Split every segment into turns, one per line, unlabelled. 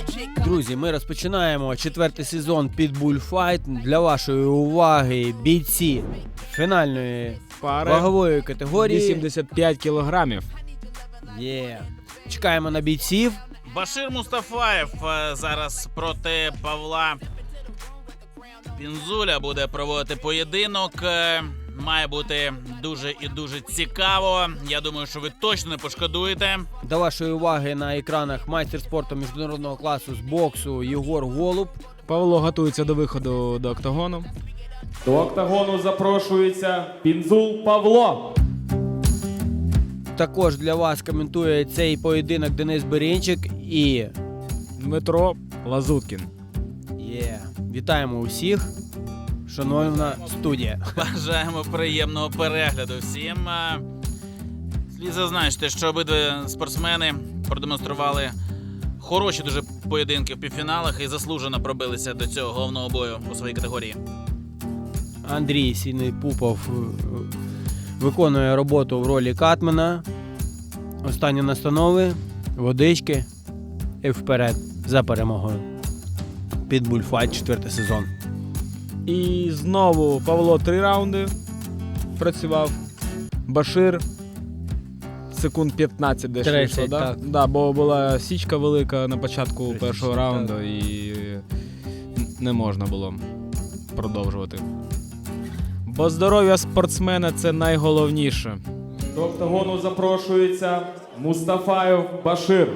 Друзі, ми розпочинаємо 4-й сезон Pitbull Fight. Для вашої уваги бійці фінальної
Пари
вагової категорії.
85 кілограмів.
Чекаємо на бійців.
Башир Мустафаєв зараз проти Павла Пінзуля буде проводити поєдинок. Має бути дуже і дуже цікаво. Я думаю, що ви точно не пошкодуєте.
До вашої уваги на екранах майстер спорту міжнародного класу з боксу Єгор Голуб.
Павло готується до виходу до октагону.
До октагону запрошується Пінзул Павло.
Також для вас коментує цей поєдинок Денис Берінчик і
Дмитро Лазуткін.
Вітаємо усіх. Шановна студія.
Бажаємо приємного перегляду всім. Слід зазначити, що обидва спортсмени продемонстрували хороші дуже поєдинки в півфіналах і заслужено пробилися до цього головного бою у своїй категорії.
Андрій Сінний-Пупов виконує роботу в ролі катмена. Останні настанови, водички і вперед за перемогою. Pitbull Fight 4-й сезон.
І знову Павло 3 раунди працював. Башир секунд 15 десь
30,
вийшло, да?
так.
Да, бо була січка велика на початку
30,
першого раунду і не можна було продовжувати. Бо здоров'я спортсмена – це найголовніше.
До октагону запрошується Мустафаєв Башир.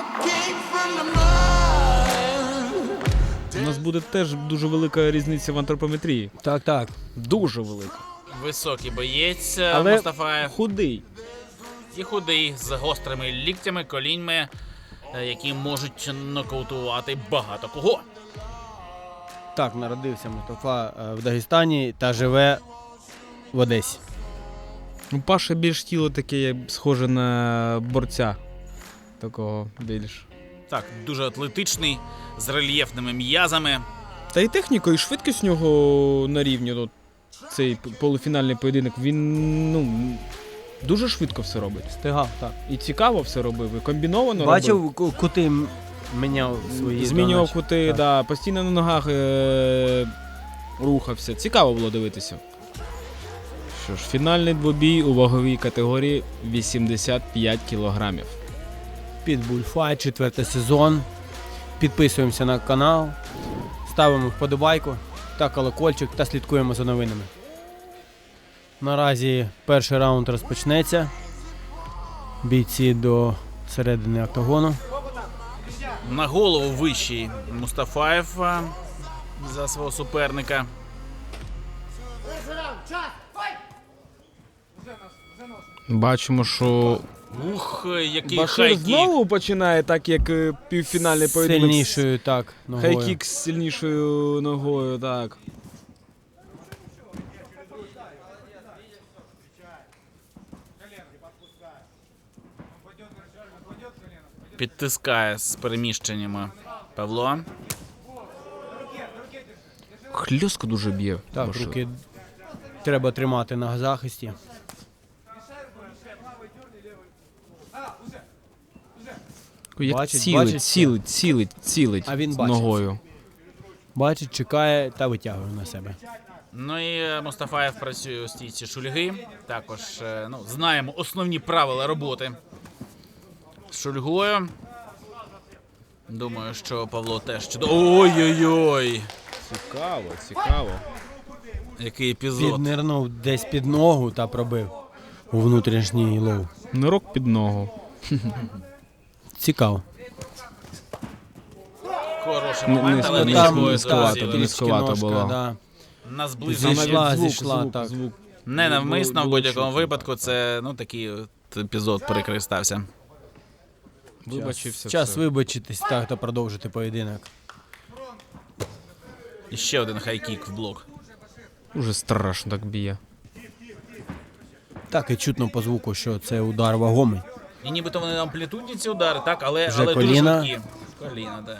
У нас буде теж дуже велика різниця в антропометрії.
Так.
Дуже велика.
Високий боєць
Але
Мустафаєв
худий.
і худий з гострими ліктями, коліньми, які можуть нокаутувати багато кого.
Так, народився Мустафа в Дагестані та живе в Одесі.
У Паші більш тіло таке схоже на борця. Такого більш.
Так, дуже атлетичний, з рельєфними м'язами.
Та і техніка, і швидкість у нього на рівні. От, цей полуфінальний поєдинок, він дуже швидко все робить.
Стигав, так.
І цікаво все робив, і комбіновано робив.
Бачив, кути міняв свої.
Змінював
доначе.
кути,
Так.
да, постійно на ногах рухався. Цікаво було дивитися. Що ж, фінальний двобій у ваговій категорії 85 кілограмів.
Pitbull Fight, 4-й сезон. Підписуємося на канал, ставимо вподобайку та колокольчик та слідкуємо за новинами. Наразі перший раунд розпочнеться. Бійці до середини октагону.
На голову вищий Мустафаєв за свого суперника.
Бачимо, що
Ух, який
Башир
хайкік.
знову починає так, як півфінальний поєдинок.
Сильнішою, так, ногою.
Хайкік з сильнішою ногою, так.
Підтискає з переміщеннями Павло.
Хльостко дуже б'є.
Так,
Башир.
руки треба тримати на захисті.
Як
Бачить,
цілить
А він бачить.
ногою.
Бачить, чекає та витягує на себе.
Ну і Мустафаєв працює у стійці шульги. Також знаємо основні правила роботи з шульгою. Думаю, що Павло теж чудово. Ой-ой-ой!
Цікаво.
Який епізод.
Піднирнув десь під ногу та пробив у внутрішній лоу.
Нирок під ногу.
Цікаво.
Хороший момент, але
низькувато було.
Да.
На зближення.
Зійшла, так.
Звук.
Не навмисно, в
Було
будь-якому
чутно.
випадку це такий от епізод прикрий стався.
Вибачився.
Час
все.
вибачитись та продовжити поєдинок.
І ще один хайкік в блок.
Уже страшно так б'є.
Так і чутно по звуку, що це удар вагомий.
І нібито вони амплітудні ці удари, так, але
Вже
дуже
коліна.
швидкі. Коліна, так.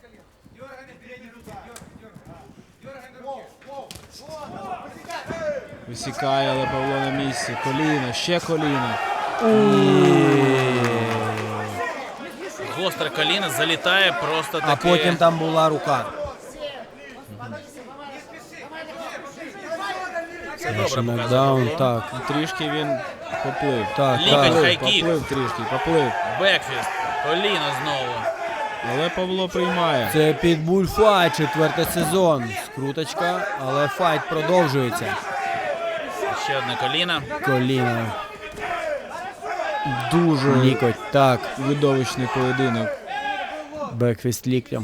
Висікає, але Павло на місці. Коліна, ще коліна.
гостре коліно залітає просто таки.
А потім там була рука.
Це добре показує
Нокдаун,
Павло.
так.
Трішки він поплив.
Так,
Лікоть,
так.
хай-кік.
Поплив трішки, поплив.
Бекфіст. Коліно знову.
Але Павло приймає.
Це Pitbull Fight, 4-й сезон. Скруточка, але файт продовжується.
Ще одне коліно.
Коліно,
Дуже
лікоть, так.
видовищний поєдинок.
Бекфіст ліктем.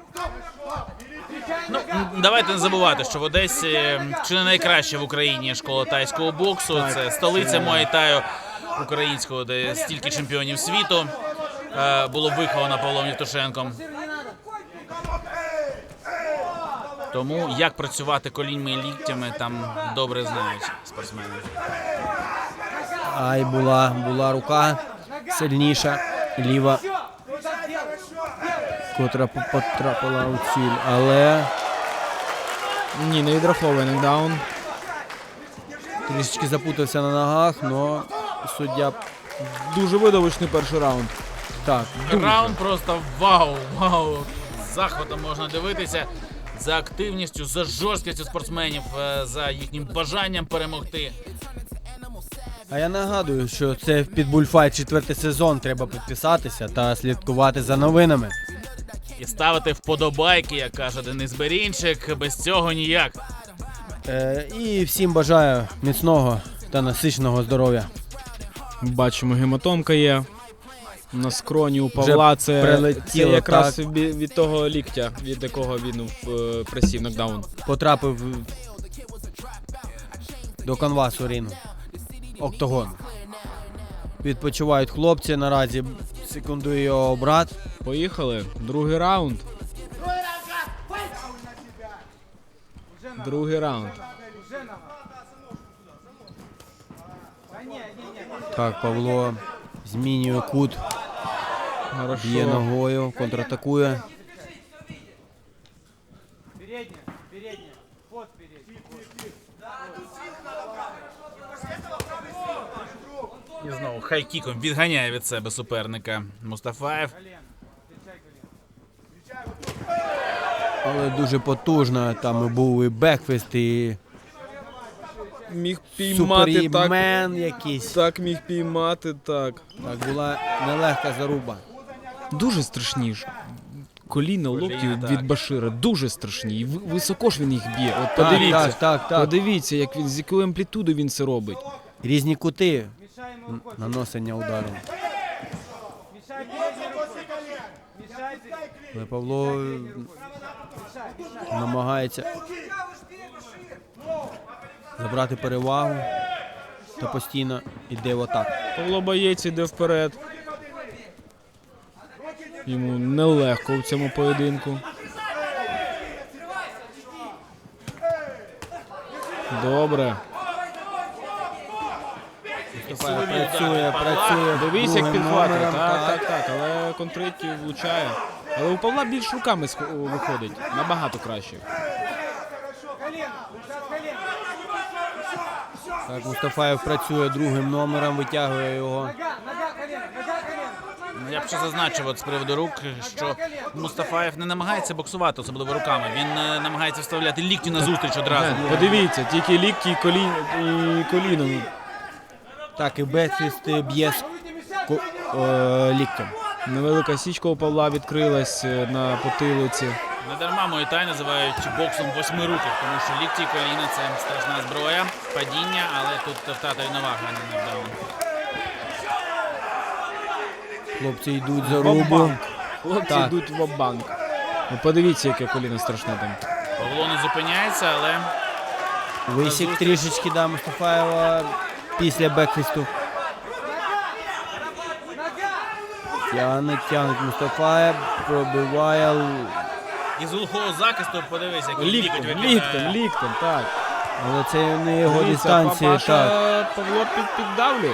Ну, давайте не забувати, що в Одесі чи не найкраща в Україні школа тайського боксу. Це столиця Муай-Таю українського, де стільки чемпіонів світу було виховано Павлом Євтушенком. Тому як працювати коліньми і ліктями там добре знають спортсмени.
Ай, була рука сильніша, ліва, котра потрапила у ціль, але
Ні, не відраховує нокдаун.
трішечки запутався на ногах, але суддя
Дуже видовищний перший раунд.
так.
Раунд просто вау, вау. З захватом можна дивитися за активністю, за жорсткістю спортсменів, за їхнім бажанням перемогти.
А я нагадую, що це Pitbull Fight 4-й сезон, треба підписатися та слідкувати за новинами.
І ставити вподобайки, як каже Денис Берінчик, без цього ніяк.
І всім бажаю міцного та насиченого здоров'я.
Бачимо, гематомка є. На скроні у Павла це
прилетіло,
якраз
так.
від того ліктя, від якого він присів нокдаун.
Потрапив до канвасу рінгу. Октагон. Відпочивають хлопці, наразі секундує його брат.
Поїхали. Другий раунд. Другий раунд.
Так, Павло змінює кут, б'є
Хорошо.
ногою, контратакує.
І знову хай-кіком відганяє від себе суперника Мустафаєв.
Але дуже потужно, там і був і бекфест, і
Міг піймати так.
супермен якийсь.
Так міг піймати, так.
Так, була нелегка заруба.
Дуже страшні ж. Коліна, локті
так.
від Башира дуже страшні. І високо ж він їх б'є. От
Так,
подивіться.
так.
Подивіться, як він, з якою амплітудою він це робить.
Різні кути наносення удару. Але Павло намагається забрати перевагу та постійно йде в атаку.
Павло боєць іде вперед. Йому нелегко в цьому поєдинку. Добре.
Працює.
Дивись, як
другим
підхватує.
номером,
Так. Але контриті влучає. Але у Павла більш руками виходить. Набагато краще.
Так, Мустафаєв працює другим номером, витягує його.
Я б ще зазначив от з приводу рук, що Мустафаєв не намагається боксувати, особливо руками. Він намагається вставляти лікті на зустріч одразу.
Подивіться, тільки лікті і коліно.
Так, і Бекфіст б'є ліктем.
Невелика січка у Павла відкрилась на потилиці.
Не дарма Муай-Тай називають боксом восьмируких, тому що лікті і коліна – це страшна зброя, падіння, але тут втрата рівноваги, а не нокдаун.
Хлопці йдуть за рубу.
Ва-банк. Хлопці
Так.
йдуть в банк. Ну, подивіться, яке коліно страшне там.
Павло не зупиняється, але
Висік трішечки да, Мустафаєва після бекфісту. Тягнуть Мустафаєв, пробиває.
із глухого захисту подивись, який лікоть
Ліктем, так.
Але це не його
Дивіться,
дистанція. Так.
Папаша Павло піддавлює.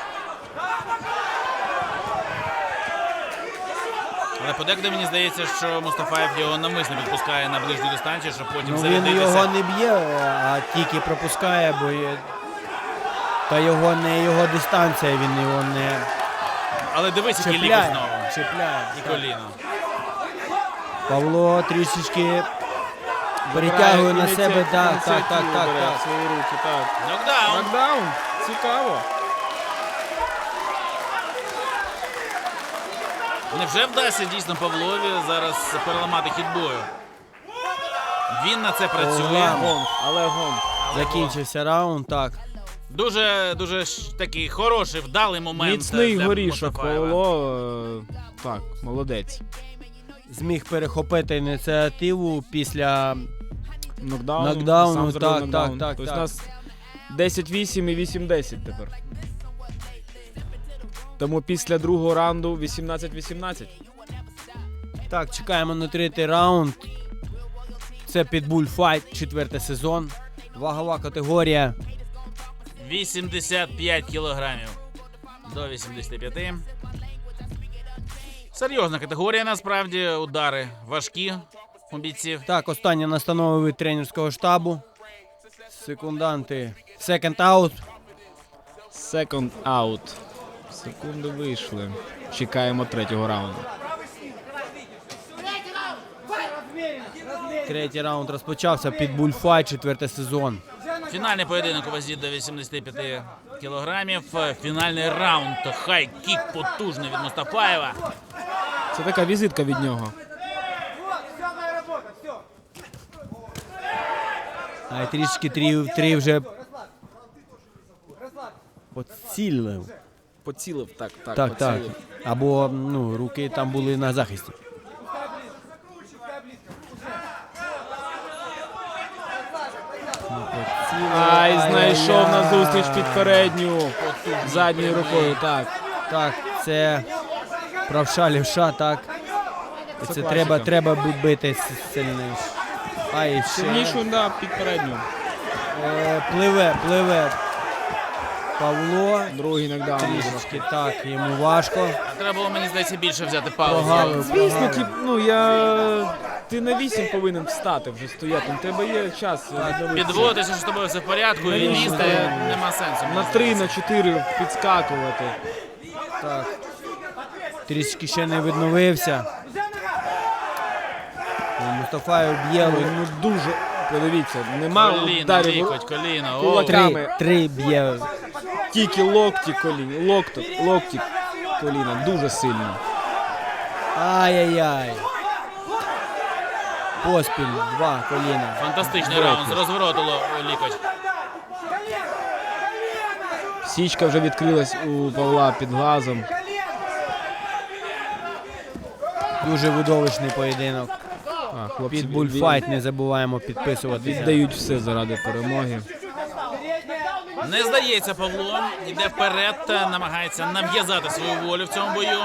Але подекуди мені здається, що Мустафаєв його навмисно підпускає на ближню дистанцію, щоб потім
Ну, він
зарядитися.
його не б'є, а тільки пропускає, бо та його не його дистанція, він його не
Але дивись, який лікоть
Чіпляє,
знову.
чіпляє.
І коліно.
Павло трішечки перетягує на себе. Так.
В свої руки, так.
Нокдаун.
Нокдаун. Цікаво.
Невже вдасться дійсно Павлові зараз переламати хід бою? Він на це працює.
Але гонг.
Закінчився раунд, так.
Дуже такий хороший, вдалий момент.
Міцний
для
горішок,
Мустафаєва.
Павло. Так, молодець.
Зміг перехопити ініціативу після
Нокдауну, сам зробив
так,
нокдаун.
так.
Тобто у нас 10-8 і 8-10 тепер. Тому після другого раунду 18-18.
Так, чекаємо на третій раунд. Це Pitbull Fight, 4-й сезон. Вагова категорія.
85 кілограмів до 85. Серйозна категорія, насправді. Удари важкі у бійців.
Так, останні настанови від тренерського штабу. Секунданти. Second out.
Second out. Секунди вийшли. Чекаємо третього раунду.
Третій раунд розпочався. Pitbull Fight, 4-й сезон.
Фінальний поєдинок у вазі до 85 кілограмів. Фінальний раунд. Хай-кік потужний від Мустафаєва.
Це така візитка від нього.
А трішки три вже поцілив.
Поцілив, так.
Так. Або руки там були на захисті.
Ай, знайшов на зустріч під передню. Задньою рукою, так.
Так, це правша лівша, так. Це
класика.
треба бити сильніше. А і ще
Сильнішу, да, під передню.
пливе Павло.
Другий нокдаун.
Трішечки так, йому важко.
Треба було, мені здається, більше взяти паузу.
Прогавив.
Звісно, ти на 8 повинен встати вже стояти. У тебе є час.
Підводитися, що з тобою все в порядку, і
Навіщо?
лізти нема сенсу.
На 3, на 4 підскакувати.
Так. Трішки ще не відновився. Мустафаєв б'є.
Ну дуже, подивіться, нема
Коліно,
ударів
лікоть, коліно. О,
кулаками.
Три б'є.
Тільки локті коліна, локті коліна, дуже сильно.
Ай-яй-яй. Поспіль, 2 коліна.
фантастичний раунд. З розвороту лікоть.
Січка вже відкрилась у Павла під глазом.
Дуже видовищний поєдинок.
Хлопці
Pitbull Fight, не забуваємо підписуватися.
віддають все заради перемоги.
Не здається, Павло. Йде вперед, намагається нав'язати свою волю в цьому бою.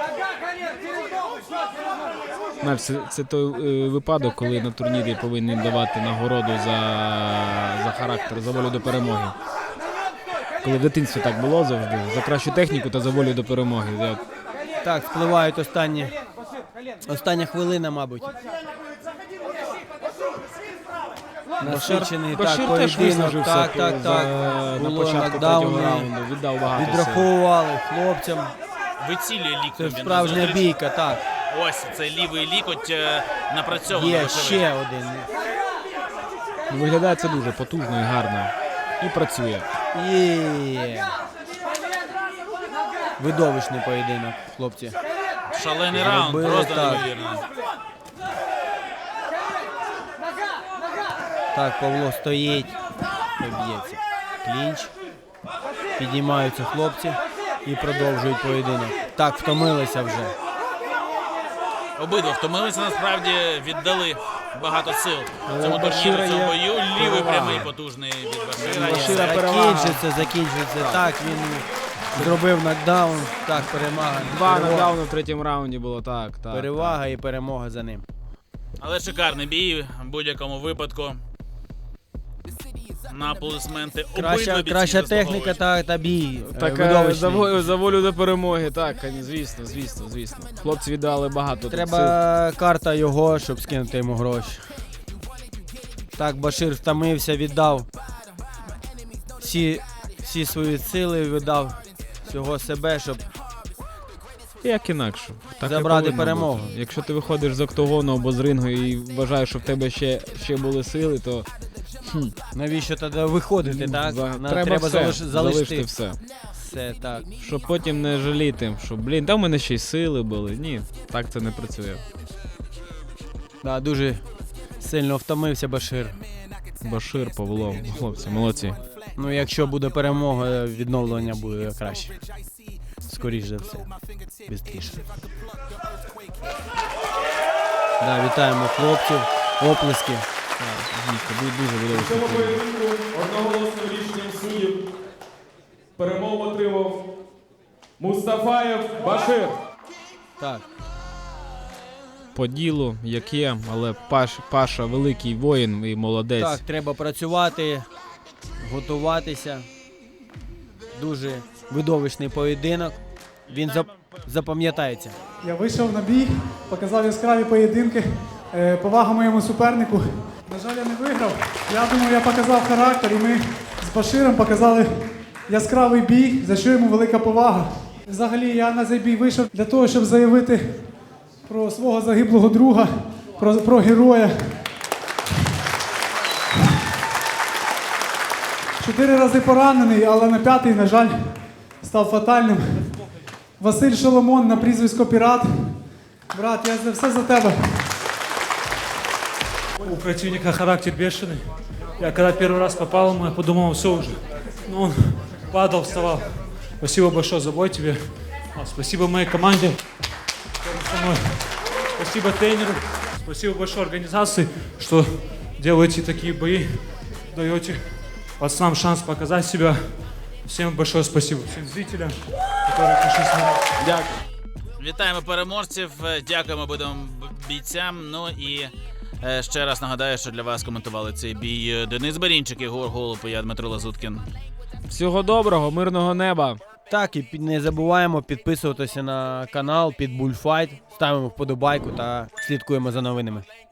Знаєш, це той випадок, коли на турнірі повинні давати нагороду за характер, за волю до перемоги. Коли в дитинстві так було завжди, за кращу техніку та за волю до перемоги.
Так, спливають остання хвилина, мабуть. Насичений, так,
Башир теж
поєдинок.
виснажився
Так.
на
Було
початку
нокдауни,
третього раунду, віддав багато сил.
Відраховували хлопцям.
Вицілює
Це
ліктем. він
справжня
назустріч.
бійка, так.
Ось цей лівий лікоть напрацьований.
Є
вочевидь.
ще один.
Ну, виглядає це дуже потужно і гарно. І працює.
Є. Видовищний поєдинок, хлопці.
Шалений раунд,
Зробили
просто
так.
неймовірно.
Так, Павло стоїть. Поб'ється. Клінч. Підіймаються хлопці і продовжують поєдинок. Так, втомилися вже.
Обидва втомилися, насправді віддали багато сил цьому
Башира
турніру, цьому
є
бою. Лівий
перевага.
прямий потужний від Башира. є.
Башира перевага.
Закінчиться. Так, він зробив нокдаун. Так, перемога.
Два нокдауни в третьому раунді було, так.
Перевага і перемога за ним.
Але шикарний бій в будь-якому випадку. На аплодисменти. Обидва бійці
Краща
заслуговують.
техніка та бій.
Так,
Видовищний.
за волю до перемоги, так, звісно. Хлопці віддали багато. тут сил.
Треба карта його, щоб скинути йому гроші. Так, Башир втомився, віддав всі свої сили, віддав всього себе, щоб
Як інакше. Так і
Забрати
повинно
перемогу.
бути. Якщо ти виходиш з октагону або з рингу і вважаєш, що в тебе ще були сили, то
Навіщо тоді виходити, так?
треба все,
залишити
залишити все.
все, так.
Щоб потім не жаліти, що, там в мене ще й сили були. Ні, так це не працює.
Да, дуже сильно втомився Башир.
Башир, Павло, хлопці, молодці.
Ну, якщо буде перемога, відновлення буде краще. Скоріше за все. Бистріше. Да, вітаємо хлопців. Оплески.
Дійсно, дуже
У
видовищно.
цьому поєдинку одноголосним рішенням суддів перемогу отримав Мустафаєв Башир.
Так.
По ділу, як є, але Паша великий воїн і молодець.
Так, треба працювати, готуватися. Дуже видовищний поєдинок. Він запам'ятається.
Я вийшов на бій, показав яскраві поєдинки. Повага моєму супернику. На жаль, я не виграв. Я думаю, я показав характер, і ми з Баширом показали яскравий бій, за що йому велика повага. Взагалі, я на цей бій вийшов для того, щоб заявити про свого загиблого друга, про героя. 4 рази поранений, але на 5-й, на жаль, став фатальним. Василь Шоломон на прізвисько Пірат. Брат, я за все за тебе.
У противника характер бешеный. Я когда первый раз попал ему, я подумал, все уже. Но он падал, вставал. Спасибо большое за бой тебе. Спасибо моей команде, которая со мной. Спасибо тренеру. Спасибо большой организации, что делаете такие бои, даете пацанам шанс показать себя. Всем большое спасибо. Всем зрителям, которые пришли смотреть.
Дякую.
Вітаємо переможців, дякуємо обидвом бійцям. Ну і ще раз нагадаю, що для вас коментували цей бій Денис Берінчик, Єгор Голуб і я, Дмитро Лазуткін.
Всього доброго, мирного неба.
Так, і не забуваємо підписуватися на канал Pitbull Fight, ставимо вподобайку та слідкуємо за новинами.